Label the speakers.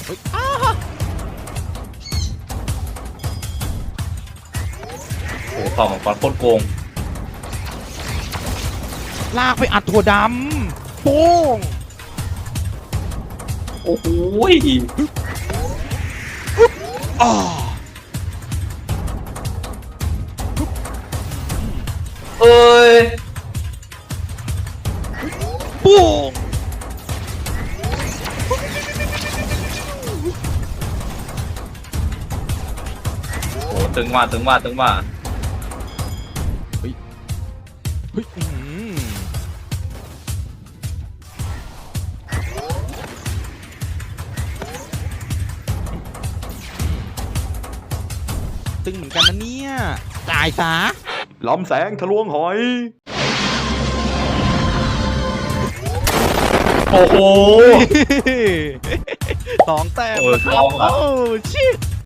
Speaker 1: ฮ้ย
Speaker 2: โอ้โหต่อของฟันโคตรโกง
Speaker 1: ลากไปอัดถั่วดำโป้ง
Speaker 2: โอ้โห
Speaker 1: อ้อ
Speaker 2: เอ้ย
Speaker 1: โป้ง
Speaker 2: โอ้ตึงว่าตึงว่าตึงว่า
Speaker 1: เฮ้ยตึงเหมือนกันนะเนี่ยจ่ายซะ
Speaker 3: ลำแสงทะลวงหอย
Speaker 2: โอ้โห
Speaker 1: 2 แต้ม
Speaker 2: โอ้ย
Speaker 1: นะครับ
Speaker 2: ลองเหรอ
Speaker 1: โอ้ชิต